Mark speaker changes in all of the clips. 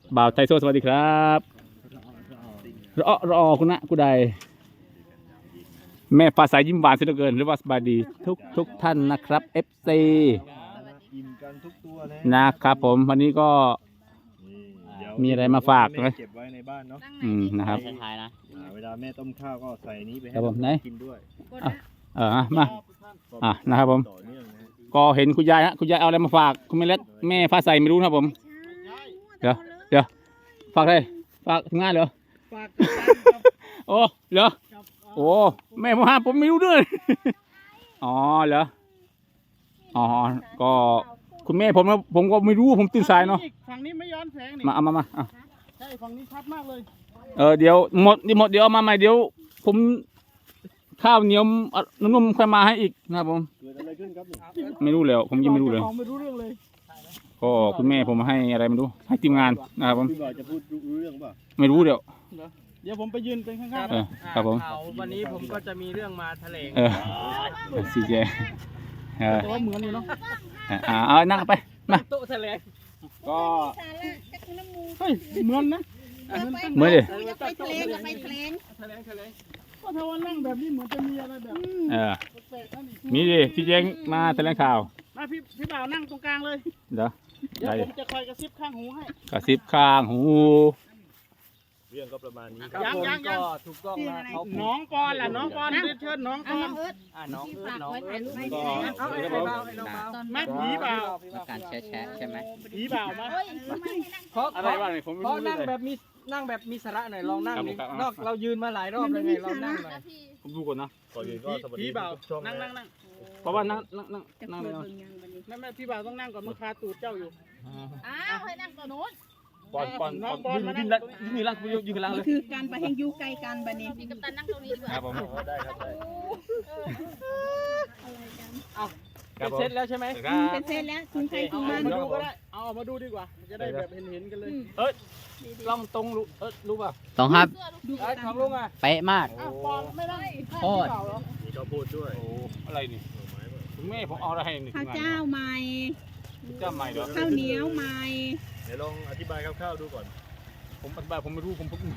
Speaker 1: บ่าวไทโซสวัสดีครับรอคุณนะกูใดแม่ฟ้าใสยิ้มหวานเสียเหลือเกินหรือว่าสบายดีทุกท่านนะครับ FC
Speaker 2: อิ่มกันทุกตัวเลย
Speaker 1: นะครับผมวันนี้ก็ มีอะไรมาฝากไหม
Speaker 2: เก็บไว้ในบ้านเนาะ
Speaker 1: นะครับ
Speaker 3: ท้ายนะ
Speaker 2: เวลาแม่ต้มข้าวก็ใส่นี้ไปให้
Speaker 1: ครับผมไหน
Speaker 2: กินด้วย
Speaker 1: มานะครับผม
Speaker 2: ต่อเนื่องนะฮะ
Speaker 1: ก็เห็นคุณยายฮะคุณยายเอาอะไรมาฝากคุณแม่เล็กแม่ฟ้าใสไม่รู้นะครับผมเดี๋ยวฝากเลยฝากทำงานเหรอโอ้เหรอโอ้แม่ผมหาผมไม่รู้ด้วยอ๋อเหรออ๋อก็คุณแม่ผมก็ไม่รู้ผมตื่นสายเนาะ
Speaker 4: ฝั่งนี้ไม่ย้อนแสงนี่
Speaker 1: มา
Speaker 4: ใช่ฝั่งนี้ชัดมากเลย
Speaker 1: เดี๋ยวหมดเดี๋ยวเอามาใหม่เดี๋ยวผมข้าวเหนียวนุ่มๆค่อยมาให้อีกนะครับผม
Speaker 2: เกิดอะไรขึ้นครับนี่
Speaker 1: ไม่รู้แล้วผมยังไม่รู้เลย
Speaker 4: จ้าของไม่รู้เรื่องเลย
Speaker 1: ก็คุณแม่ผมให้อะไรไม่รู้ให้ทีมงานนะครับผม
Speaker 2: พี่บ่าวจะพูดรู้เรื่องเปล่า
Speaker 1: ไม่รู้เดี๋ยว
Speaker 4: เดี๋ยวผมไปยืนเป็นข้างๆ
Speaker 1: เออครับผม
Speaker 3: วันนี้ผมก็จะมีเรื่องมาแถลง
Speaker 1: ซีเจ
Speaker 4: แต่ว่าเหมือนอยู่เนาะ
Speaker 1: เอานั่งไปมา
Speaker 3: โต๊ะแถลง
Speaker 1: ก็
Speaker 4: เฮ้ยเหมือนนะ
Speaker 1: เมื่อดิ
Speaker 5: อย่าไปแถลงอย่าไปแถลง
Speaker 3: แถลง
Speaker 4: ก็ถ้าว่านั่งแบบนี้เหมือนจะมีอะไรแบบ
Speaker 1: เ
Speaker 4: แปลกๆนั่นนี่
Speaker 1: มีดิพี่แจงมาแถลงข่าว
Speaker 4: มาพี่บ่าวนั่งตรงกลางเลย
Speaker 1: เดี๋ยว
Speaker 4: เดี๋ยว
Speaker 1: ได้
Speaker 4: ผมจะคอยกระซิบข้างหูให้
Speaker 1: กระซิบข้างหู
Speaker 2: เรื่องก็ประมาณนี้
Speaker 3: ครับผมก็ถูกต้องนะเขา
Speaker 4: น้องปอนล่ะน้องปอนเรียนเชิญน้องป
Speaker 5: เอา
Speaker 4: อน
Speaker 5: น้องเอิร์ธ
Speaker 3: น้อง
Speaker 5: ที่
Speaker 3: เอิร์
Speaker 5: ฝาก
Speaker 3: น้อง
Speaker 5: ไว้
Speaker 3: เอิ
Speaker 5: ถ่าย
Speaker 3: ร์
Speaker 5: รูปให้
Speaker 1: ก็
Speaker 5: แม่
Speaker 3: เอาไอ้เบาไอ้เบา
Speaker 4: แม่ผีบ่าว
Speaker 3: การแชะใช่ไหม
Speaker 4: ผีบ่าวมา
Speaker 5: เฮ้ยทำไมให้นั่ง
Speaker 3: เพราะ
Speaker 1: อะไรบ้างเนี่ยผมไม่
Speaker 3: เพราะ
Speaker 1: รู้เล
Speaker 3: นั่ง
Speaker 1: ย
Speaker 3: แบบมีสาระหน่อยลองนั่งดิ
Speaker 1: ครับ
Speaker 3: นอกเรายืนมาหลายรอบเลยไงเรานั่งหน่อย
Speaker 1: ผมดูก่อนนะ
Speaker 2: ก่อนอื่นก็สวัส
Speaker 4: ผี
Speaker 2: ดี
Speaker 4: บ่าว
Speaker 2: ทุกช่อง
Speaker 4: นั่ง
Speaker 2: นะ
Speaker 4: นั่ง
Speaker 1: เพราะว่านั่ง
Speaker 5: จะ
Speaker 1: นั่ง
Speaker 5: เปิ
Speaker 1: เลย
Speaker 5: ด
Speaker 1: เนาะ
Speaker 5: เบิ่งยังบัดนี้
Speaker 4: แม่พี่บ่าวต้องนั่งก่อนมันคาตูดเจ้าอยู่
Speaker 5: อ้าวให้นั่งตัวโน้น
Speaker 1: ปอนยืนล่างยืนกันล่างเลย
Speaker 5: คือการไปแห่งอยู่ไกลกันบัดนี้
Speaker 6: พี่กัปตันนั่งตรงนี้ดีกว่า
Speaker 1: ครับผม
Speaker 2: ได้ครับได้
Speaker 1: ครับผม
Speaker 3: เสร็จแล้วใช่ไหม
Speaker 5: เป็นเซนแล้วคุณใครคุณมัน
Speaker 4: มาดูก็ได้เอาออกมาดูดีกว่า จะได้แบบเห็นกันเลย
Speaker 1: กล้องตรงรู้ป่ะ
Speaker 3: ต้องครับ
Speaker 5: ดู
Speaker 3: ไอ้
Speaker 5: กัน
Speaker 3: ของลุงอ่ะ
Speaker 7: เป๊ะมาก
Speaker 4: อ้าวปอนไม่ได้
Speaker 3: โคตร
Speaker 2: มีข้าวโพดด้วย
Speaker 1: โอ้อะไรนี่คุณแม่ผมเอาอะไรให้นี่
Speaker 5: ข้าวเจ้าใหม่
Speaker 1: เจ้าใหม่เหรอ
Speaker 5: ข้าวเหนียวใหม่
Speaker 2: เดี๋ยวลองอธิบายคร่าวๆดูก่อน
Speaker 1: ผมอธิบายผมไม่รู้ผมเพิ่ง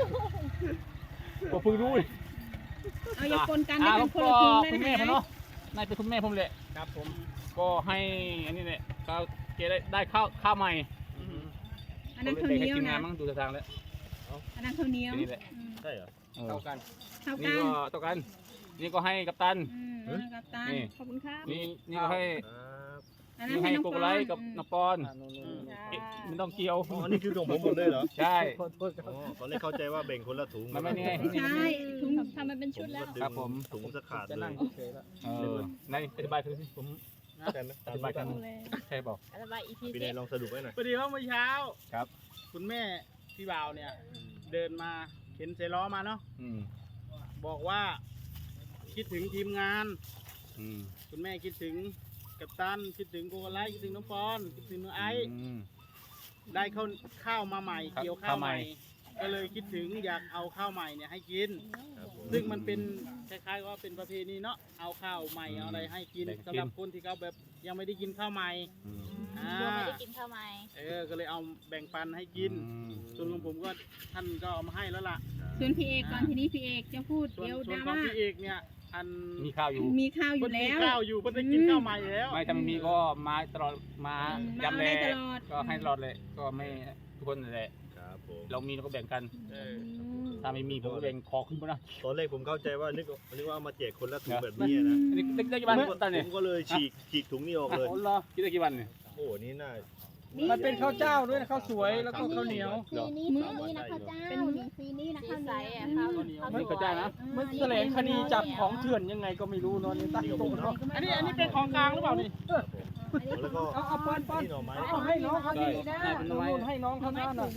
Speaker 1: รู้
Speaker 5: เอาอย่าปนกันให้เป็นคนละถุงเลย
Speaker 1: คุณแม่
Speaker 5: นะ
Speaker 1: ผม
Speaker 5: คะ
Speaker 1: เนาะนายเป็นคุณแม่ผมแหละ
Speaker 4: ครับผม
Speaker 1: ก็ให้อันนี้เนี่ยก็เกได้ข้าวใหม่
Speaker 5: อันนั้นข้าวเหนียว
Speaker 1: ทีมงา
Speaker 5: นะ
Speaker 1: นมั้งดูทางแล้ว
Speaker 5: อันนั้นข้าวเหนียว
Speaker 1: นี่แหละ
Speaker 2: ใช่เหรอ
Speaker 3: เท่ากัน
Speaker 5: ข้าว
Speaker 1: นี่
Speaker 5: กัน
Speaker 1: ก็ต่อกันนี่ก็ให้กัปตัน
Speaker 5: กัปตันขอบคุณครับ
Speaker 1: นี่ก็ให้
Speaker 2: ครับ
Speaker 5: อันนั้
Speaker 1: นี่
Speaker 5: น
Speaker 1: ให้
Speaker 5: ให้น้อง
Speaker 1: โก
Speaker 5: ป
Speaker 1: โก
Speaker 5: อ
Speaker 1: ไล
Speaker 5: น
Speaker 1: กับนปอนมันต้องเกี่ยว
Speaker 2: อ๋ออันนี้คือของผมหมดเลยเหรอ
Speaker 1: ใช่
Speaker 2: อ๋อตอนแรกเข้าใจว่าแบ่งคนละถุง
Speaker 1: ไม่นี่ไง
Speaker 5: ไม่ใช่ถุง
Speaker 6: ทำมันเป็นชุดแล้ว
Speaker 1: ครับผม
Speaker 2: ถุงสะขาด
Speaker 3: จะ
Speaker 2: เล
Speaker 3: นั่ง
Speaker 2: ย
Speaker 3: เฉยๆแล้ว
Speaker 1: ในอธิบายคือผม
Speaker 2: ใช่ไหม
Speaker 1: อธิบายกันใช่บอก
Speaker 6: ระบาย EP
Speaker 2: พี่
Speaker 6: เซ็
Speaker 2: เนยลองสรุปไว้หน่อย
Speaker 4: พอดีว่าเมื่อเช้า
Speaker 1: ครับ
Speaker 4: คุณแม่พี่บ่าวเนี่ย เดินมาเข็นเซล้อมาเนาะ บอกว่าคิดถึงทีมงาน คุณแม่คิดถึงกัปตันคิดถึงโกโกไลคิดถึงน้องปอนคิดถึงน้องไอซ์ได้ข้าวมาใหม่
Speaker 1: ครับ
Speaker 4: เกี่ยวข้าวใหม่
Speaker 1: ข้าวใหม่
Speaker 4: ก็เลยคิดถึงอยากเอาข้าวใหม่เนี่ยให้กิน
Speaker 2: ครับผม
Speaker 4: ซึ่งมันเป็นคล้ายๆว่าเป็นประเพณีเนาะเอาข้าวใหม่เอาอะไรให้กิน
Speaker 1: ได้กิน
Speaker 4: สำหรับคนที่เขาแบบยังไม่ได้กินข้าวใหม่อ่า
Speaker 6: ตัวไม่ได้กินข้าวไหม
Speaker 4: ก็เลยเอาแบ่งปันให้กิน ส่วนของผมก็ท่านก็เอามาให้แล้วล่ะ
Speaker 5: ส่วนพี่เอกก่อนทีนี้พี่เอกจะพูด
Speaker 4: ส่วน
Speaker 5: เดี๋ยว
Speaker 4: ส่
Speaker 5: ด
Speaker 4: วน
Speaker 5: รา
Speaker 4: ของ
Speaker 5: ม่า
Speaker 4: พี่เอกเนี่ยอัน
Speaker 1: มีข้าวอยู่
Speaker 5: มีข้าวอ
Speaker 4: เพิ่
Speaker 5: ยู่
Speaker 4: นมี
Speaker 5: แล้ว
Speaker 4: ข้าวอยู่เพิ่นได้กินข้าวใหม่แล้ว
Speaker 1: ไม่ถ้าไม่มีก็มาตลอดมา
Speaker 5: มา
Speaker 1: ย้ำแล
Speaker 5: ให้ตลอด
Speaker 1: ก็ให้ตลอดเลยก็ไม่ทุกคนนั่นแหละ
Speaker 2: ครับผม
Speaker 1: เรามีเราก็แบ่งกัน
Speaker 4: เออ
Speaker 1: ถ้าไม่มีผมก็แบ่งคอขึ้นมานะ
Speaker 2: ตอนแรกผมเข้าใจว่านึกว่าเอามาแจกคนละถุงแบบนี้นะ
Speaker 1: อันนี้ได้กี่วันตอน
Speaker 2: ผ
Speaker 1: นี้
Speaker 2: มก็เลยฉีกถุงนี้ออกเลย
Speaker 1: คิดได้กี่วันเนี่ย
Speaker 2: โอ้โหนี่น่า
Speaker 3: มันเป็นข้าวเจ้าด้วยนะข้าวสวยแล้วก็ข้าวเหนียว
Speaker 6: สีนี้สีนี้นะข้าวเจ้าเป็นสีนี้นะข้าวใสอ่ะข้าว
Speaker 1: นี่ก็ได้นะ
Speaker 3: มันแถลงคดีจับของเถื่อนยังไงก็ไม่รู้เนอนนี่ตั้งตรงเนาะ
Speaker 4: อันนี้เป็นของกลางหรือเปล่านี่
Speaker 2: แล้วก็
Speaker 3: เอาป้อน
Speaker 2: นี่หน่อไม้
Speaker 3: เอาให้น้องเขาดีนะนู่นให้น้องเขาหน้าหน่อย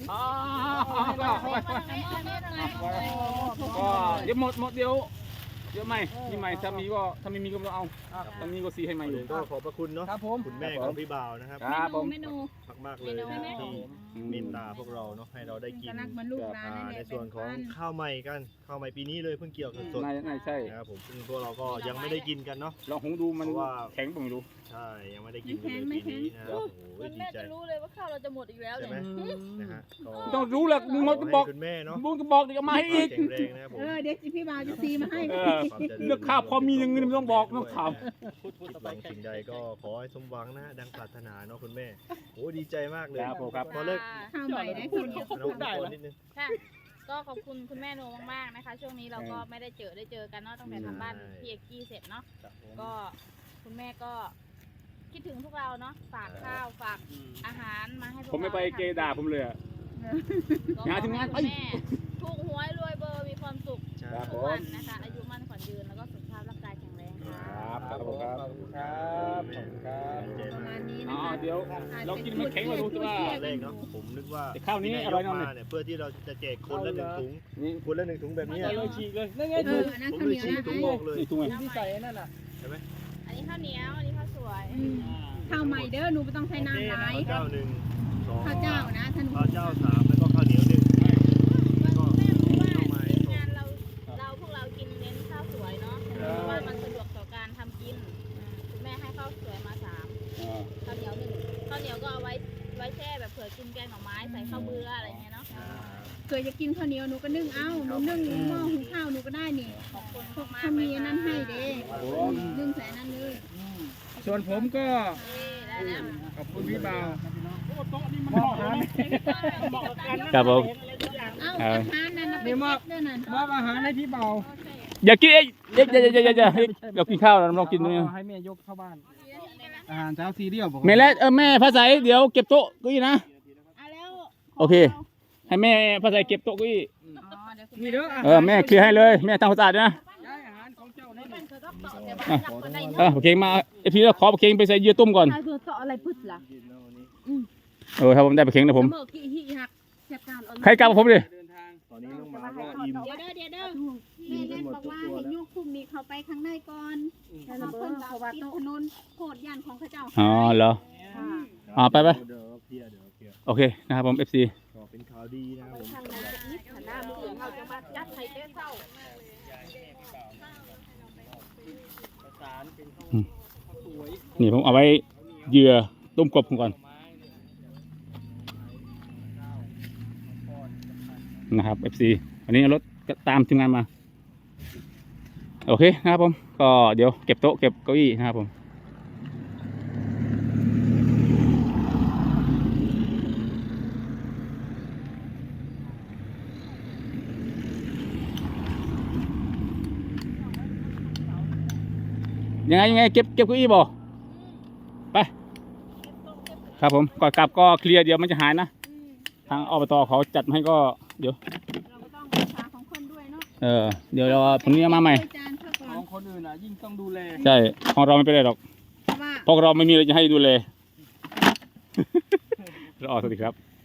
Speaker 1: ก็เดี๋ยวหมดเดี๋ยวไม่มีใหม่ถ้ามีก็ถ้าไม่มีก็ไม่ต้องเอาถ้ามีก็ซีให้ใหม่
Speaker 2: ก่อน
Speaker 1: เล
Speaker 2: อื่
Speaker 1: ย
Speaker 2: นก็ขอบพระคุณเนาะ
Speaker 3: ครับผม
Speaker 2: คุณแม่ของพี่บ่าวนะครับ
Speaker 1: ครับผม
Speaker 5: เมนู
Speaker 2: มากๆเลยนะที่เมตตาพวกเราเนาะให้เราได้กิน
Speaker 5: ก็รักเหมือนลูกหลานนั่นแห
Speaker 2: ใน
Speaker 5: ละ
Speaker 2: ส่วนของข้าวใหม่กันข้าวใหม่ปีนี้เลยเพิ่งเกี่ยวสด
Speaker 1: นายใช่
Speaker 2: ๆนะครับผมซึ่งพวกเราก็ยังไม่ได้กินกันเนาะ
Speaker 1: ลองหงดูมัน
Speaker 2: เพราะว่า
Speaker 1: แข็งผมไม่รู้
Speaker 2: ใช่ยังไม่ได้กินกันเลยปีนี้นะครับโอ้โห
Speaker 6: มัน
Speaker 2: ดี
Speaker 6: แม่
Speaker 2: ใจ
Speaker 6: จะรู้เลยว่าข้าวเราจะหมดอีกแล้ว
Speaker 2: ใช่
Speaker 6: เนี่ย
Speaker 2: ไหมนะฮะก็
Speaker 1: ต้องรู้แหละมึงมาบอก
Speaker 2: ให้คุณแม่เนาะ
Speaker 1: มึงก็บอกเดี๋ยวเอามาให้อีก
Speaker 2: แข็งแรงนะครับผม
Speaker 5: เดี๋ยวพี่บ่าวจะซีมาให้
Speaker 1: เออเลือกข้าวพอมีอย่างนี้ไม่ต้องบอกไม่ต้องถาม
Speaker 2: คิดหวังสิ่งใดก็ขอให้สมหวังนะดังปรารถนาเนาะคุณแม่โอ้ดีใจมากเลย
Speaker 1: ครับผมครับ
Speaker 2: พอเลิก
Speaker 5: ข้าวใหม่ได้คนเดียว
Speaker 2: น้องพูดนิดนึง
Speaker 6: ค่ะก็ขอบคุณคุณแม่โนมากๆนะคะ ช่วงนี้เราก็ไม่ได้เจอกันเนาะตั้งแต่ทำบ้านพี่เอกกี้เสร็จเนาะก็คุณแม่ก็คิดถึงพวกเราเนาะฝากข้าวฝากอาหารมาให้พวกเรา
Speaker 1: ผมไม่ไปเกด่าผมเลยอะ
Speaker 6: ก็
Speaker 1: งานทำงานไป
Speaker 6: ขอให้คุณแม่ถูกหวยรวยเบอร์มีความสุข
Speaker 2: ใช่
Speaker 1: ครับ
Speaker 6: ทุกวันนะคะอายุมั่นขวัญยืนแล้วก็สุขภาพร่างกายแข็งแรงค่ะ
Speaker 1: ครับผมครับ
Speaker 3: ขอบคุณครับขอบคุณครับ
Speaker 2: ดีใจ
Speaker 5: ประ
Speaker 2: มาก
Speaker 5: มาณนี้
Speaker 1: อ๋
Speaker 5: นะ
Speaker 1: อ
Speaker 5: คะ
Speaker 1: เดี๋ยวเรากินไม่แข็งเรารู้สึกว่า
Speaker 2: เลขเนาะผมนึกว่า
Speaker 1: แต่ข้าวนี้
Speaker 2: ที่
Speaker 1: อร่อยแน่นอน
Speaker 2: มาเนี่ยเพื่อที่เราจะแจกคนละหนึ่งถุง
Speaker 1: นี่
Speaker 2: คนละหนึ่งถุงแบบนี้
Speaker 3: เอาเลยฉีกเลยนั่นไง
Speaker 5: อันนั้น
Speaker 2: ผม
Speaker 5: ข้าว
Speaker 2: เล
Speaker 5: เห
Speaker 2: ย
Speaker 5: นียว
Speaker 2: ชี้
Speaker 5: นะ
Speaker 2: ถุงบอกเลย
Speaker 1: นี่ตรงไหน
Speaker 3: ที่ใส่นั่นน่ะ
Speaker 6: อันนี้ข้าวเหนียวอันนี้ข้าวสวย
Speaker 5: ข้าวใหม่เด้อหนูไม่ต้องใช้น้ำหลาย
Speaker 2: ข้าวเจ้าหนึ่งสอง
Speaker 5: ข้าวเจ้านะท่าน
Speaker 2: ข้าวเจ้าสามแล้วก็ข้าวเหนียวหนึ่ง
Speaker 6: คุณแม่รู้ว่าทีมงานเราพวกเรากินเน้นข้าวสวยเนาะเพราะว่ามันสะดวกต่อการทำกินคุณแม่ให้ข้าวสวยมา3ข้าวเหนียว1ข้าวเหนียวก็เอาไว้แช่แบบเผื่อกินแกงหน่อไม้ใส่ข้าวเบื่ออะไรเงี้ยเนาะ
Speaker 5: เคยจะกินข้าวเหนียวหนูก็นึ่งเอาหนูนึ่งหม้อหุงข้าวหนูก็ได้นี่
Speaker 6: ขอบคุณ
Speaker 5: พวก
Speaker 6: มาก
Speaker 5: เขา
Speaker 6: ๆ
Speaker 5: มี
Speaker 6: เลย
Speaker 5: อัน
Speaker 6: ค่ะ
Speaker 5: นั้นให้เด้นึ่งใส่อันนั้นเลย
Speaker 3: ส่วนผมก็
Speaker 6: ได้แล้ว
Speaker 3: ขอบคุณพี่บ่าว
Speaker 4: โต๊ะนี่มันเหมาะเลยนะเหมาะกับการนั่ง
Speaker 1: ครับผม
Speaker 4: เห็นอะไรทุกอย่าง
Speaker 5: เอ้าอาหารนั่นนะเป็นเม็ดด้วยนั่น
Speaker 3: มอบอาหารให้พี่บ่าว
Speaker 1: อย่ากินอย่าเรากินข้าวเราต้องกินตรงนี้
Speaker 3: ให้แม่ยกเข้าบ้านอาหารเช้าซีเรียลบอก
Speaker 1: แม่และแม่ภาษาเดี๋ยวเก็บโต๊ะเก้าอี้นะ
Speaker 5: เอาแล้ว
Speaker 1: โอเค ให้แม่ภาษาเก็บโต๊ะเก้าอี้
Speaker 5: อ๋อเดี๋ยวคุณ
Speaker 3: นี่เด้อ
Speaker 1: แม่เคลียร์ให้เลยแม่ทำความสะอาดด้วยนะ
Speaker 3: ย้ายอาหารของเจ้านั่น
Speaker 6: มันก็ต่อเดี๋ยวมันจับก็ได้
Speaker 1: โอเคมาไอพี่เราขอปลาเค็งไปใส่เยื่อต้มก่อน
Speaker 5: เอาตัวต่ออะไรพึ่ล่ะ
Speaker 1: ถ้าผมได้ปลาเค็งนะผม
Speaker 5: เมื่อกี้ฮิหักเจ็บการอ่อน
Speaker 1: ใครกลับกับผมดิ
Speaker 3: เดินทาง
Speaker 2: ตอนนี้น้องหมาก็อิ่ม
Speaker 5: เดี๋ยวแม่เล่นบอกว่าให้ยุกคุมนี้เขาไปข้างในก่อนแล้วเพิ่นเขาว่าติดถนนโคตรย่านของเขาเจ้า
Speaker 1: อ๋อเหรอไป
Speaker 2: เดี๋ยวเคลียร์
Speaker 1: โอเคนะครับผม FC
Speaker 2: ก็เป็นข่าวดีนะครับผม
Speaker 6: ทางหน้านิดหันหน้ามือเขาจะมายัดไข่เต้เศร้า
Speaker 1: นี่ผมเอาไว้เหยื่อต้มกบผมก่อนนะครับ FC อันนี้รถก็ตามทีมงานมาโอเคนะครับผมก็เดี๋ยวเก็บโต๊ะเก็บเก้าอี้นะครับผมยังไงเก็บเก้าอี้บ่ไปครับผมก่อนกลับก็เคลียร์เดี๋ยวมันจะหายนะทางอบตเขาจัดมาให้ก็เดี๋ยว
Speaker 5: เราก็ต้องรักษาของคนด้วยเนาะ
Speaker 1: เดี๋ยวเราผมนี้เอามาใหม่
Speaker 5: จานเข้าก่อ
Speaker 3: ข
Speaker 5: น
Speaker 3: องคนอื่นอ่ะยิ่งต้องดูแล
Speaker 1: ใช่ของเราไม่เป็นไรหรอก
Speaker 5: เพราะว่า
Speaker 1: เพราะเราไม่มีอะไรจะให้ดูเลย รอสวัสดีครับ